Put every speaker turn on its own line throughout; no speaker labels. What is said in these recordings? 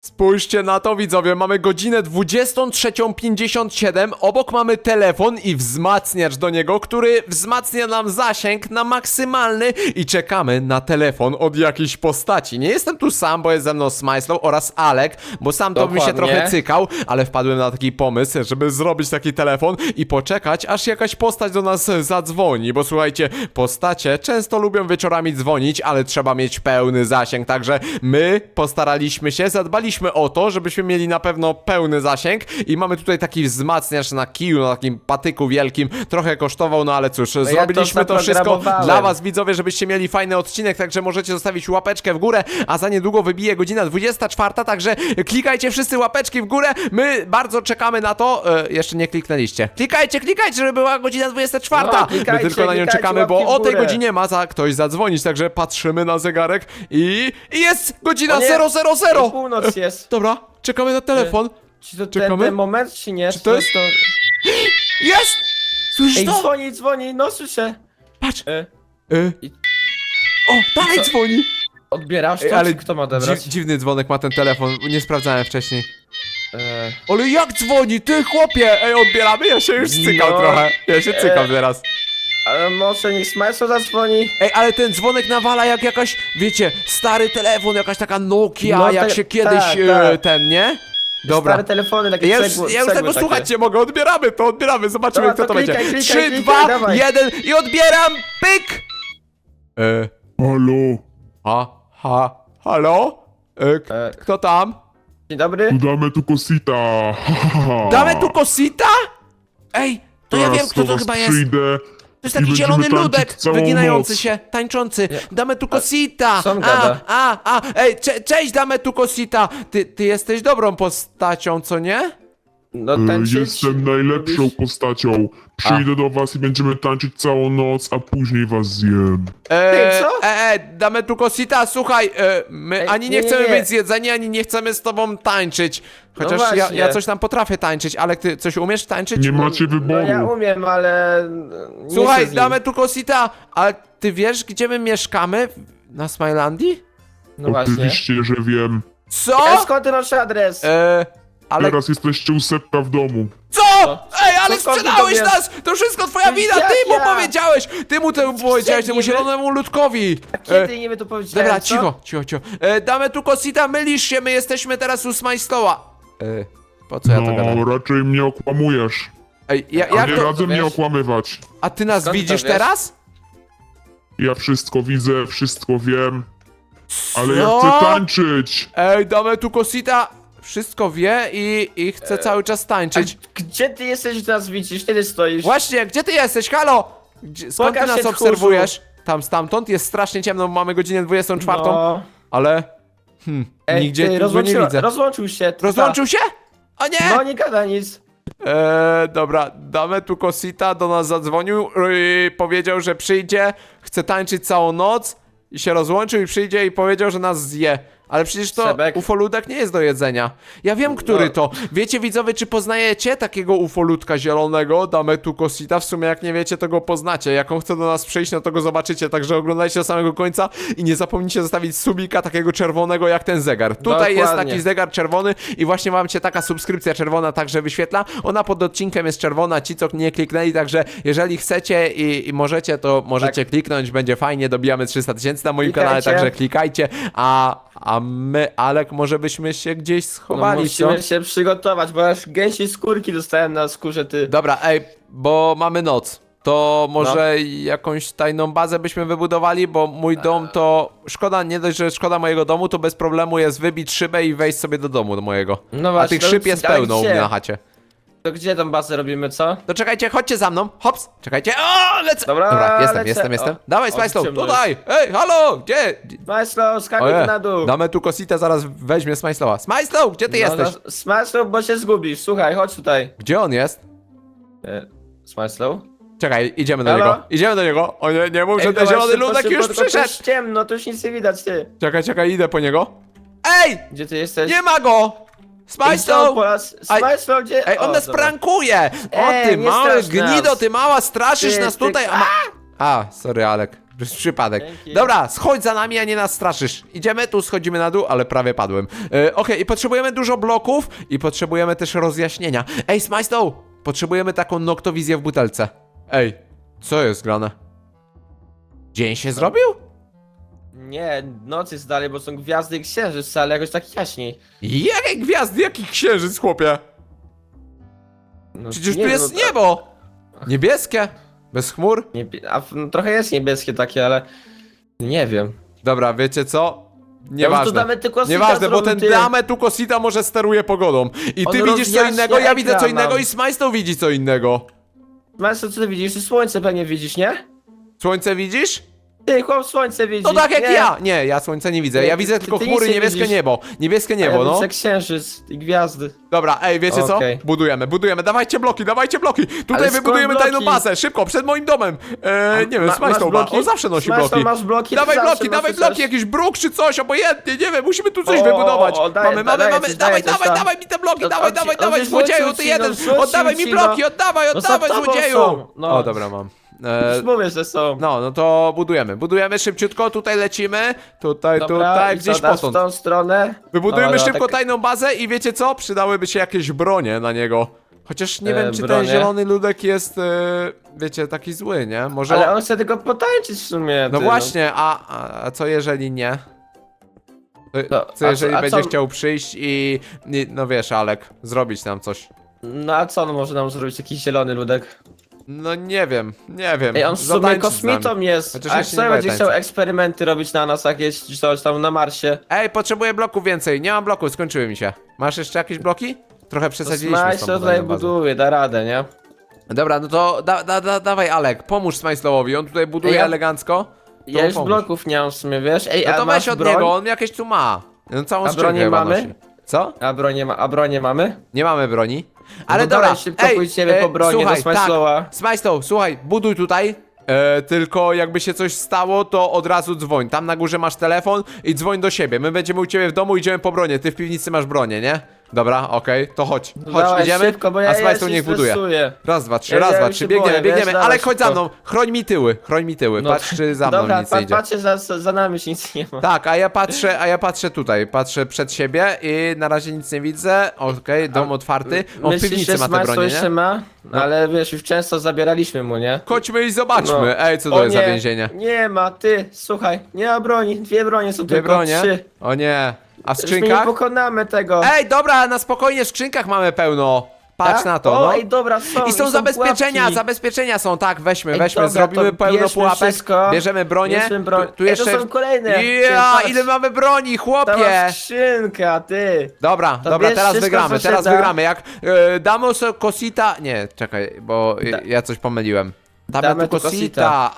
Spójrzcie na to, widzowie, mamy godzinę 23:57, obok mamy telefon i wzmacniacz do niego, który wzmacnia nam zasięg na maksymalny i czekamy na telefon od jakiejś postaci. Nie jestem tu sam, bo jest ze mną Smajslow oraz Alek, bo sam to bym się trochę cykał, ale wpadłem na taki pomysł, żeby zrobić taki telefon i poczekać, aż jakaś postać do nas zadzwoni, bo słuchajcie, postacie często lubią wieczorami dzwonić, ale trzeba mieć pełny zasięg, także my postaraliśmy się, zadbaliśmy o to, żebyśmy mieli na pewno pełny zasięg i mamy tutaj taki wzmacniacz na kiju, na takim patyku wielkim, trochę kosztował, no ale cóż, zrobiliśmy to wszystko dla was, widzowie, żebyście mieli fajny odcinek, także możecie zostawić łapeczkę w górę, a za niedługo wybije godzina 24, także klikajcie wszyscy łapeczki w górę, my bardzo czekamy na to, jeszcze nie kliknęliście, klikajcie, żeby była godzina 24,
no,
my tylko na nią czekamy, bo o tej godzinie ma ktoś zadzwonić, także patrzymy na zegarek i jest godzina 000.
Północ jest.
Dobra, czekamy na telefon.
Czy to
Czekamy?
ten moment, czy nie?
Czy to jest- Jest! Słyszysz
Ej,
to?
dzwoni, no słyszę.
Patrz!
I-
O, dalej
Co?
dzwoni!
Odbierasz to,
Ej, ale
czy kto ma odebrać?
dziwny dzwonek ma ten telefon, nie sprawdzałem wcześniej.
E,
Ale jak dzwoni? Ty chłopie! Ej, odbieramy? Ja się już cykam
No,
trochę. Ja się cykam teraz.
ale może niech Smajso zadzwoni.
Ej, ale ten dzwonek nawala jak jakaś, wiecie, stary telefon, jakaś taka Nokia,
No,
jak
tak,
się kiedyś
tak.
ten, nie? Dobra.
Stare telefony, takie
Ja już
cegły
tego
takie.
słuchać nie mogę, odbieramy, zobaczymy
Dobra,
kto to będzie.
klikaj,
3,
klikaj,
2,
dawaj.
1 i odbieram, pyk!
Halo,
Halo? Kto tam?
Dzień dobry.
tu damy tu kosita.
Damy tu kosita? Ej, to ja
Teraz
wiem kto
do
to
was
chyba jest.
przyjdę
To jest
i
taki
będziemy
zielony
tańczyć
ludek,
całą
wyginający
noc.
się, tańczący. Damy tu kosita.
Co on gada?
Ej, cześć, damy tu kosita. Ty jesteś dobrą postacią, co nie?
No tańczyć.
Jestem najlepszą postacią. Przyjdę do was i będziemy tańczyć całą noc, a później was zjem.
co?
Damy tu kosita, słuchaj, my
Ej,
ani nie
nie,
chcemy
nie.
być zjedzeni, ani nie chcemy z tobą tańczyć. Chociaż
No
ja
właśnie.
coś tam potrafię tańczyć, ale ty coś umiesz tańczyć?
Nie macie
No ja
wyboru.
umiem, ale... nie
Słuchaj,
chcę z nim.
damy tu kosita, ale ty wiesz, gdzie my mieszkamy? Na Smilandii?
No właśnie.
Oczywiście, że wiem.
Co?
Ej, skąd ty masz adres?
Ale
Teraz jesteście u Sepka w domu.
co? Ej, ale
Co, skąd ty
sprzedałeś
to wiesz?
nas! To wszystko twoja wina,
Jak
ty mu
ja?
powiedziałeś! Ty mu to powiedziałeś, temu
niby?
zielonemu ludkowi!
Kiedy niby to powiedziałem,
Dobra,
co?
cicho. Damy tu kosita, mylisz się, my jesteśmy teraz u Smajstoła. Po co ja to gadam?
No, raczej mnie okłamujesz.
Ej,
A
jak
nie
to?
radzę mnie
wiesz?
okłamywać.
A ty nas
Skąd to
widzisz
wiesz?
teraz?
Ja wszystko widzę, wszystko wiem. Ale ja
Co?
chcę tańczyć.
Ej, damy tu kosita, wszystko wie i chce cały czas tańczyć.
Gdzie ty jesteś, że nas widzisz? Kiedy stoisz?
Właśnie, gdzie ty jesteś? Halo? Skąd ty
Pokaż
nas
się, tchórzu.
obserwujesz? Tam stamtąd jest strasznie ciemno, mamy godzinę 24,
No.
ale
Ej,
nigdzie
ty,
tu go nie widzę.
Rozłączył się.
Rozłączył się? O nie!
No nie gada nic.
Dobra, damy tu kosita, do nas zadzwonił, powiedział, że przyjdzie, chce tańczyć całą noc i się rozłączył i przyjdzie i powiedział, że nas zje. Ale przecież to
Sebek.
ufoludek nie jest do jedzenia. Ja wiem, który
No.
to. Wiecie, widzowie, czy poznajecie takiego ufoludka zielonego? Damy tu kosita. W sumie, jak nie wiecie, to go poznacie. Jak on chce do nas przyjść, no to go zobaczycie. Także oglądajcie do samego końca i nie zapomnijcie zostawić subika takiego czerwonego jak ten zegar. Tutaj jest
Dokładnie.
taki zegar czerwony i właśnie wam się taka subskrypcja czerwona także wyświetla. Ona pod odcinkiem jest czerwona, ci co nie kliknęli, także jeżeli chcecie i możecie, to możecie kliknąć, będzie fajnie, dobijamy 300 000 na moim kanale,
Klikajcie.
także klikajcie, a my, Alek, może byśmy się gdzieś
No,
schowali, co?
musimy się przygotować, bo aż gęsiej skórki dostałem na skórze, ty.
Dobra, ej, bo mamy noc. To może jakąś tajną bazę byśmy wybudowali, bo mój dom to... Szkoda, nie dość, że szkoda mojego domu, to bez problemu jest wybić szybę i wejść sobie do domu do mojego.
No
A
właśnie,
tych szyb jest
ale
pełno u
gdzie?
mnie na chacie.
To gdzie tą bazę robimy, co?
To czekajcie, chodźcie za mną. Hops, czekajcie. O, lecę.
Dobra,
jestem.
lecę. O,
Dawaj,
o,
Smajslow,
ciemno
tutaj. Ej, halo, gdzie?
Smajslow, skakuj
Oje,
na dół.
damy tu kositę, zaraz weźmie Smajslowa. Smajslow, gdzie ty jesteś?
Smajslow, bo się zgubisz. Słuchaj, chodź tutaj.
Gdzie on jest?
Smajslow?
Czekaj, idziemy do
Halo?
niego. Idziemy do niego. O nie mów, że ten
dawaj,
zielony
szybko,
ludek
szybko,
już
tylko to
przyszedł.
jest ciemno, to już nic nie widać, ty.
Czekaj, idę po niego. Ej,
Gdzie ty jesteś?
nie ma go. Smajslow.
Smajslow, gdzie?
Ej, on
O,
nas
dobra.
prankuje! O, ty
nie
mały
strasz nas.
gnido, ty mała, straszysz
Ty,
nas
ty-
tutaj, sorry, Alek. Przez przypadek.
Dzięki.
Dobra, schodź za nami, a nie nas straszysz. Idziemy, tu schodzimy na dół, ale prawie padłem. Okej, i potrzebujemy dużo bloków i potrzebujemy też rozjaśnienia. Ej, Smajstow, potrzebujemy taką noktowizję w butelce. Ej, co jest grane? Dzień się zrobił?
Nie, noc jest dalej, bo są gwiazdy i księżyc, ale jakoś tak jaśniej.
Jakie gwiazdy, jaki księżyc, chłopie?
No,
Przecież
nie,
tu jest
no,
niebo! Niebieskie, bez chmur.
trochę jest niebieskie takie, ale nie wiem.
Dobra, wiecie co?
Ja
Nieważne.
tu damy tylko
Nieważne, bo ten
ty.
Dame tu Kosita może steruje pogodą. I
On
ty widzisz co
rozjaśnia
innego, ja widzę co
ekran
innego
nam.
i Smajstow widzi co innego.
Masz co ty widzisz? Ty słońce pewnie widzisz, nie?
Słońce widzisz?
Ty, chłop słońce widzi.
No tak jak
nie.
ja! Nie, ja słońca nie widzę.
Nie,
Ja widzę
ty
tylko
nic
chmury,
nie
niebieskie
widzisz.
niebo. Niebieskie
A
niebo,
ja
no.
widzę księżyc i gwiazdy.
Dobra, ej, wiecie co?
Okej.
Budujemy. Dawajcie bloki, dawajcie bloki. Tutaj
Ale
wybudujemy
skąd
tajną
bloki?
bazę, szybko, przed moim domem. Nie wiem,
masz
Smajstow ma.
bloki?
On zawsze nosi
Smajstow,
bloki.
masz bloki?
Dawaj
Zawsze
bloki, dawaj
nosisz
bloki,
coś.
jakiś bruk czy coś, obojętnie, nie wiem, musimy tu coś
O,
wybudować.
daję,
Mamy,
daję
dawaj,
coś, daję coś tam.
dawaj mi te bloki,
No,
dawaj,
on ci-
dawaj,
on
dawaj,
ci
złodzieju,
rzucił
ty
ci,
jeden.
no, rzucił
Oddawaj mi
ci,
bloki,
no.
oddawaj,
No za tobą
złodzieju.
są, no.
O, dobra, mam.
Już mówię, że są.
No to budujemy szybciutko, tutaj lecimy, tutaj,
Dobra, i
gdzieś
co, dasz w
potąd.
tą stronę.
Wybudujemy
Dobra,
szybko
tak-
tajną bazę i wiecie co? Przydałyby się jakieś bronie na niego. Chociaż nie wiem, czy ten
bronie?
zielony ludek jest, wiecie, taki zły, nie? Może
Ale
on...
on chce tylko potańczyć w sumie.
No
ty,
właśnie, a co jeżeli nie?
No,
Co
a
jeżeli
co- a
będzie
co-
chciał przyjść i, no wiesz, Alek, zrobić nam coś?
No a co on może nam zrobić, jakiś zielony ludek?
No nie wiem.
Ej, on w sumie
Zatańczyć z
kosmitą
nami.
jest.
Chociaż
A
ja
jak
się
sobie
nie
będzie
boję
chciał
tańca.
eksperymenty robić na nas jakieś czy coś tam na Marsie.
Ej, potrzebuję bloków więcej, nie mam bloków, skończyły mi się. Masz jeszcze jakieś bloki? Trochę
To
przesadziliśmy z
Smajs
tą
to tutaj
tajną bazą.
buduje, da radę, nie?
Dobra, no to dawaj Alek, pomóż Smajslowowi, on tutaj buduje
Ej, ja-
elegancko. To
Ja już
pomóż.
bloków nie mam w sumie, wiesz? Ej,
No
a
to
masz
weź od
broń?
niego, on jakieś tu ma. No całą
A
skrzynkę
broni
chyba
mamy?
nosi. Co?
A bronię mamy?
Nie mamy broni. Ale
to
dobra,
dawaj, szybko pójdziemy po bronię do
słuchaj,
Smajslowa.
tak, Smajslow, słuchaj, buduj tutaj. Tylko jakby się coś stało, to od razu dzwoń. Tam na górze masz telefon i dzwoń do siebie. My będziemy u ciebie w domu, idziemy po bronię. Ty w piwnicy masz bronię, nie? Dobra, okej, to chodź. Chodź,
Dawaj,
idziemy,
szybko, bo
a
ja
Smajslow
się
niech buduje.
stresuję.
Raz, dwa, trzy,
Ja-
raz,
ja
dwa,
już
trzy,
się
biegniemy,
boję,
biegniemy.
wiesz,
Ale
dawaj
chodź za
szybko.
mną, chroń mi tyły.
No,
Patrz, czy za mną
dobra,
nic nie idzie.
patrzcie, za nami już nic nie ma.
Tak, a ja patrzę tutaj, patrzę przed siebie i na razie nic nie widzę. Okej, dom otwarty. On w
Myślisz,
piwnicy
że
ma te
Smajs
bronie,
jeszcze
nie?
ma? Ale wiesz, już często zabieraliśmy mu, nie?
Chodźmy i zobaczmy.
No.
Ej, co
O
to jest za
nie,
więzienie?
Nie ma, ty, słuchaj, nie ma broni, dwie bronie są
Dwie
tylko,
bronie?
trzy.
O nie. A w
Już my nie
skrzynkach?
pokonamy tego.
Ej, dobra, na spokojnie w skrzynkach mamy pełno. Patrz
Tak?
na to,
O,
no.
ej, dobra, są.
I są zabezpieczenia,
pułapki.
zabezpieczenia są, tak, weźmy,
Ej,
weźmy,
dobra,
zrobimy
to
pełno
bierzmy
pułapek,
wszystko.
bierzemy bronię.
Bierzmy broń.
Tu
Ej,
jeszcze...
to są kolejne.
Ja,
Ty,
ile mamy broni,
To
chłopie!
masz skrzynka, ty.
Dobra,
To
dobra,
bierz
teraz
wszystko,
wygramy,
co się
teraz
da.
wygramy. Jak Damos Kosita... Nie, czekaj, bo ja coś pomyliłem. Damy tu Kosita,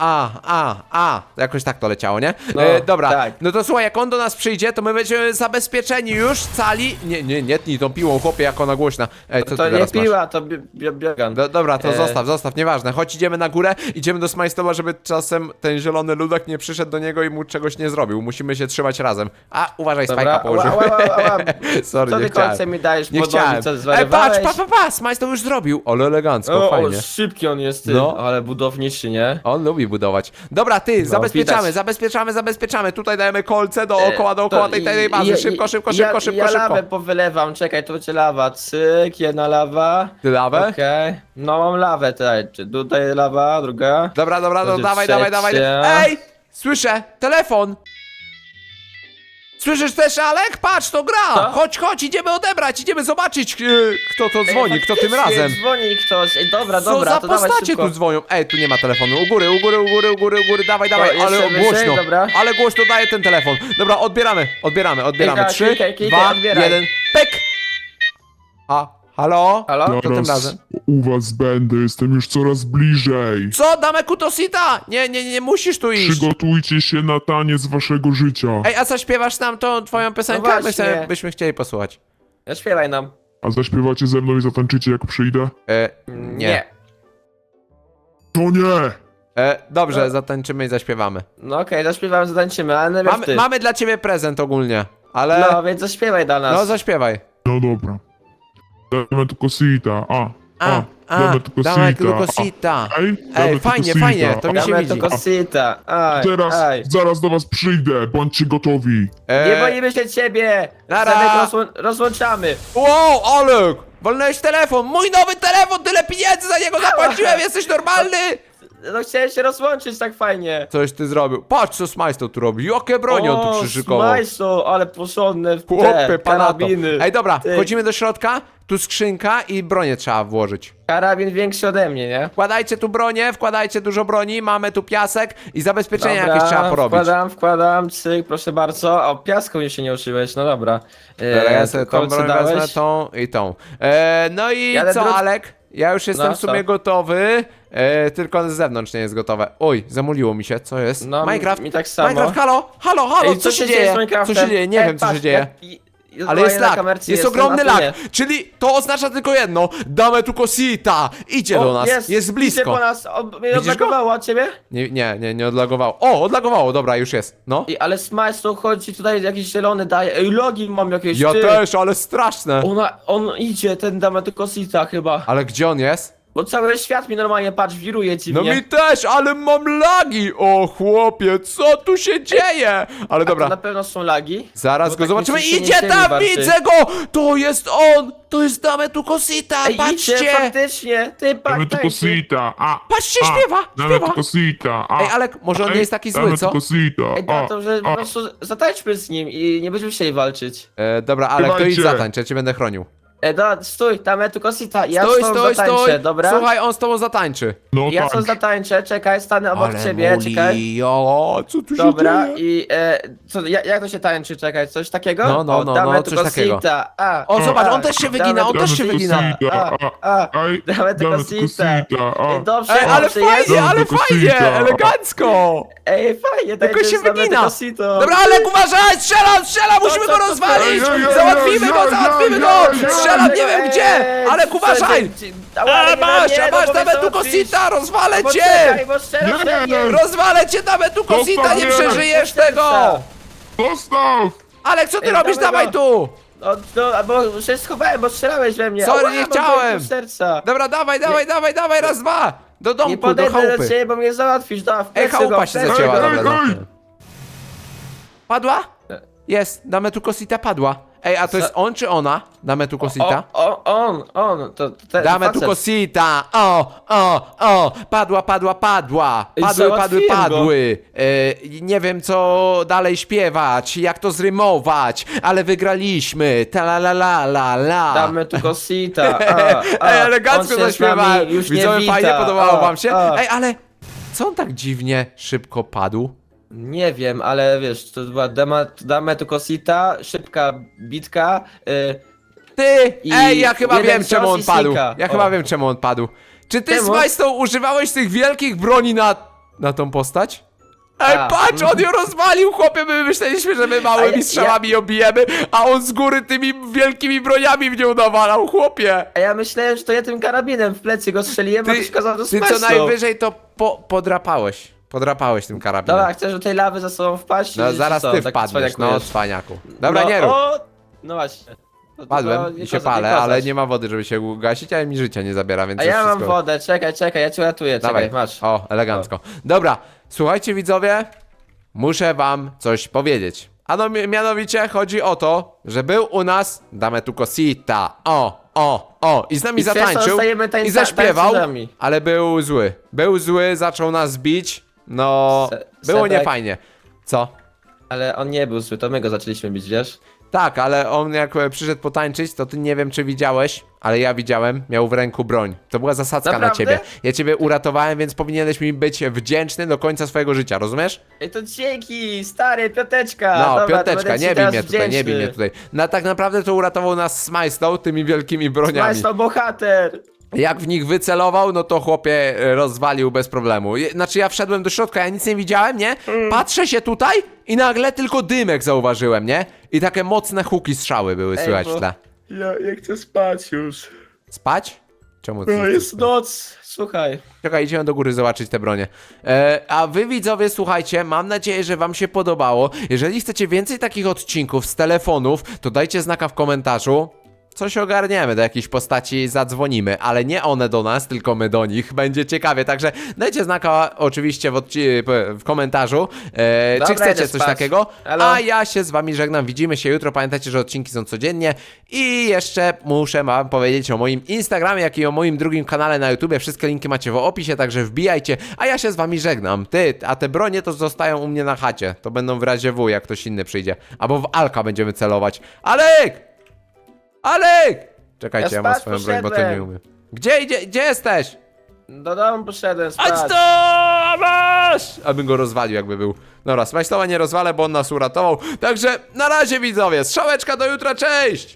jakoś tak to leciało, nie?
No,
Dobra,
tak.
no to słuchaj, jak on do nas przyjdzie, to my będziemy zabezpieczeni już, cali... Nie tnij tą piłą, chłopie, jak ona głośna. Ej, co ty
To nie
teraz masz?
piła, to biegan.
Dobra, to
E.
zostaw, nieważne. Chodź, idziemy na górę, idziemy do Smajstowa, żeby czasem ten zielony ludek nie przyszedł do niego i mu czegoś nie zrobił. Musimy się trzymać razem. A, uważaj, Spajka położył. Sorry,
Co
nie
ty
chciałem.
kolce mi dajesz
Nie
podłożyć,
chciałem.
co
Ej,
zwariowałeś?
patrz, Smajstow już zrobił. Ale elegancko,
O,
fajnie.
szybki on jest, ty.
No.
Ale budowniczy, nie?
On lubi budować. Dobra, ty, zabezpieczamy. Tutaj dajemy kolce dookoła tej tajnej bazy. Szybko.
Ja lawę powylewam, czekaj, to będzie lawa. Cyk, jedna lawa.
Ty lawę?
Okej. No mam lawę tutaj. Tutaj lawa, druga.
Dobra, no
Będzie
dawaj.
trzecia.
Ej! Słyszę! Telefon! Słyszysz też, Alek? Patrz, to gra!
Co?
Chodź, idziemy odebrać, idziemy zobaczyć, kto to dzwoni, kto tym
faktycznie,
razem.
Dzwoni ktoś. Ej, dobra,
Co
dobra,
za
to dawaj
postacie
szybko.
tu dzwonią? Ej, tu nie ma telefonu. U góry, dawaj,
jeszcze
ale
wyżej,
głośno.
dobra.
Ale głośno daje ten telefon. Dobra, odbieramy.
Klika,
3,
klikaj,
2,
odbieraj.
1, pyk! Halo?
Halo?
Kto tym razem?
Zaraz u was będę, jestem już coraz bliżej.
Co? Damy Kutosita? Nie musisz tu iść.
Przygotujcie się na taniec waszego życia.
Ej, a co śpiewasz nam tą twoją piosenkę?
No
My
właśnie.
sobie byśmy chcieli posłuchać.
Śpiewaj nam.
A zaśpiewacie ze mną i zatańczycie jak przyjdę?
Nie.
To nie!
Dobrze, zatańczymy i zaśpiewamy.
No okej, zaśpiewamy, zatańczymy, ale najpierw ty.
Mamy dla ciebie prezent ogólnie, ale...
No, więc zaśpiewaj dla nas.
No, zaśpiewaj.
No dobra. Dajmy tu Kosita. damy tylko
damy
sita.
tylko sita.
Ej,
Ej, fajnie, fajnie, to mi się
Damy
widzi.
to kosita. Aj,
Teraz,
aj.
zaraz do was przyjdę, bądźcie gotowi.
Nie boimy się ciebie!
Nara.
Zamek rozłączamy!
Wow, Olek! Walnąłeś telefon! Mój nowy telefon! Tyle pieniędzy za niego zapłaciłem! Jesteś normalny?
No chciałem się rozłączyć tak fajnie!
Coś ty zrobił. Patrz, co Smajstow tu robi. Jakie broń on tu przyszykował.
Smajso, ale porządne w
Chłopie,
te
panato.
karabiny.
Ej, dobra,
Ty,
wchodzimy do środka. Tu skrzynka i bronię trzeba włożyć.
Karabin większy ode mnie, nie?
Wkładajcie tu bronię, wkładajcie dużo broni, mamy tu piasek i zabezpieczenia jakieś trzeba porobić.
Wkładam, cyk, proszę bardzo. O, piasku mi się nie uczyłeś, no dobra.
Ja sobie tą
kolce
broń
dałeś?
wezmę, tą i tą. No i
Jadę
co, Alek? Ja już jestem
No,
w sumie
co?
gotowy, tylko z zewnątrz nie jest gotowe. Oj, zamuliło mi się, co jest?
No,
Minecraft,
mi tak samo.
Minecraft, halo,
Ej,
co się dzieje?
z Minecraftem?
Co się dzieje? Nie wiem, co
patrz,
się dzieje. Ale
Ale
jest lag,
kamerce
jest
jestem,
ogromny
a ty
lag,
nie.
czyli to oznacza tylko jedno, damy tu kosita, idzie do nas, jest
Idzie
blisko.
po nas, mnie
Widzisz
odblokowało od ciebie?
Nie odlagowało. O, odlagowało, dobra, już jest, no.
Ale Smajso chodzi tutaj jakiś zielony daje. Ej, logi mam jakieś,
Ja
ty.
też, ale straszne.
On idzie, ten Dametykosita chyba.
Ale gdzie on jest?
Bo cały świat mi normalnie, patrz, wiruje
No
dziwnie.
mi też, ale mam lagi! O chłopie, co tu się dzieje? Ale
To
dobra,
na pewno są lagi.
zaraz
Bo
go
tak
zobaczymy.
mi się
Idzie
nie
tam,
warczy.
widzę go! To jest on! To jest Dametu Kosita,
Ej, idzie,
patrzcie!
faktycznie, ty
Damy tylko
patrz.
sita.
Patrzcie, śpiewa,
Damy
śpiewa.
tylko sita.
Ej, Alek, może on nie jest taki zły, co?
Damy tylko sita.
Ej, to, że po prostu zatańczmy z nim i nie będziemy chcieli walczyć.
Dobra, Alek, to idź
Śpiewajcie.
zatańcz, ja cię będę chronił.
Dobra, stój, Dametykosita, ja
Stój,
z tobą
stój,
zatańczę,
stój!
dobra?
Słuchaj, on z tobą zatańczy.
No
Ja
tak.
co zatańczę, czekaj, stanę obok ciebie, czekaj.
o, co tu
Dobra,
się dzieje?
i jak to się tańczy, czekaj, coś takiego?
No,
Dametykosita,
coś takiego.
a.
O, zobacz,
a,
on też się wygina, on
Damy
też się
tylko
wygina.
sita.
Damy
Ej,
tylko
damy tylko
sita.
sita.
Ej, dobrze,
Ej, ale
dobrze,
fajnie,
jest.
ale
Tylko
fajnie,
sita.
elegancko!
Ej, fajnie,
Tylko
tańczy
się
z Dametykositą.
wygina. Dobra, Alek, uważaj, strzela, musimy go
co?
rozwalić!
Ej, ej,
Załatwimy
ej,
go,
ej,
załatwimy
ej,
go!
ej, ej,
Strzelam, nie wiem
Ej,
gdzie! Alek, uważaj! Masz, Dametu Kosita, rozwalę cię!
Poczekaj, bo strzelasz we mnie.
Rozwalę cię, Dametu Kosita, nie
Zostaw mnie.
przeżyjesz tego!
Zostaw!
Alek, co ty
Ej,
robisz?
dawaj
Dawaj
go.
tu!
No, bo się schowałem, bo strzelałeś we mnie.
Sorry,
Ała,
nie
mam
chciałem.
pół serca.
Dobra, dawaj, raz, dwa! Do
Nie
domku, do
podejdę do
chałupy.
ciebie, bo mnie załatwisz. Da, w
Ej,
plecy
chałupa
go, w
się
plecy
zacięła,
go.
Ej,
dobra,
ej,
dobra. Padła? Jest, Dametu Kosita padła. Ej, a to jest on czy ona? Dametu Kosita?
On, to ten
Dametu
facet.
Kosita! Padła.
Ej,
Padły.
załatwiłem go.
Nie wiem co dalej śpiewać, jak to zrymować, ale wygraliśmy. Ta la la la la la.
Damy tu kosita.
Ej, elegancko
on się z nami
zaśpiewałem.
już nie
Widzowie,
wita.
fajnie podobało wam się?
A.
Ej, ale co on tak dziwnie szybko padł?
Nie wiem, ale wiesz, to była damy tu kosita, szybka bitka.
Ty!
I
Ej, ja chyba
jeden
wiem czemu
cios
on
i
padł.
snika.
Ja
O.
chyba wiem czemu on padł. Czy ty,
Czemu?
Smajstow, używałeś tych wielkich broni na tą postać? Ej,
A.
patrz, on ją rozwalił, chłopie, my myśleliśmy, że my małymi strzałami ją bijemy, a on z góry tymi wielkimi broniami w nią nawalał, chłopie.
A ja myślałem, że to ja tym karabinem w plecy go strzeliłem, a ty kazał to
ty co
Smajstow.
najwyżej to podrapałeś tym karabinem.
Dobra, chcesz do tej lawy za sobą wpaść?
No
czy
zaraz
co?
ty
Tak
wpadniesz, no
cwaniakujesz.
cwaniaku. Dobra,
No,
nie rób.
No właśnie. To
Padłem
nie
i się
koza- nie
palę, ale
kozacz.
nie ma wody, żeby się ugasić, ale mi życia nie zabiera, więc
A
już
ja mam
wszystko...
wodę, czekaj, ja cię ratuję,
Dawaj,
czekaj, masz.
O, elegancko. Dobra, słuchajcie widzowie, muszę wam coś powiedzieć. A no, mianowicie chodzi o to, że był u nas Dametu Kosita. I z nami
I przez to
zatańczył
zostajemy
i zaśpiewał,
tańcerzami.
ale był zły. Był zły, zaczął nas bić, no, było
Sebek.
niefajnie. Co?
Ale on nie był zły, to my go zaczęliśmy bić, wiesz?
Tak, ale on jak przyszedł potańczyć, to ty nie wiem czy widziałeś, ale ja widziałem, miał w ręku broń. To była zasadzka na
Naprawdę?
ciebie. Ja ciebie uratowałem, więc powinieneś mi być wdzięczny do końca swojego życia, rozumiesz?
Ej, to dzięki, stary, piąteczka.
No,
Dobra, to
piąteczka,
będę ci
nie bij
teraz
mnie tutaj, nie bij
wdzięczny.
mnie tutaj. No tak naprawdę to uratował nas Smajstow tymi wielkimi broniami.
Smajstow bohater.
Jak w nich wycelował, no to chłopie rozwalił bez problemu. Znaczy ja wszedłem do środka, ja nic nie widziałem, nie? Patrzę się tutaj i nagle tylko dymek zauważyłem, nie? I takie mocne huki strzały były słychać w tle.
Ja chcę spać już.
Spać? Czemu ty?
No jest noc, słuchaj.
Czekaj, idziemy do góry zobaczyć te bronie. A wy widzowie, słuchajcie, mam nadzieję, że wam się podobało. Jeżeli chcecie więcej takich odcinków z telefonów, to dajcie znaka w komentarzu. coś ogarniemy, do jakiejś postaci zadzwonimy, ale nie one do nas, tylko my do nich. Będzie ciekawie, także dajcie znaka oczywiście w komentarzu, czy
Dobra,
chcecie
idę
coś
spać.
takiego.
Elo.
A ja się z wami żegnam, widzimy się jutro, pamiętajcie, że odcinki są codziennie i jeszcze muszę wam powiedzieć o moim Instagramie, jak i o moim drugim kanale na YouTubie, wszystkie linki macie w opisie, także wbijajcie, a ja się z wami żegnam. A te bronie to zostają u mnie na chacie, to będą w razie W, jak ktoś inny przyjdzie, albo w Alka będziemy celować. Alek! Alek! Czekajcie,
Ja
ja mam
spać
swoją broń, bo to nie
poszedłem.
umiem. Gdzie jesteś?
Do domu poszedłem spać.
Chodź tu! Masz! Abym go rozwalił, jakby był. Dobra, Smajslowa nie rozwalę, bo on nas uratował. Także na razie, widzowie, strzałeczka do jutra, cześć!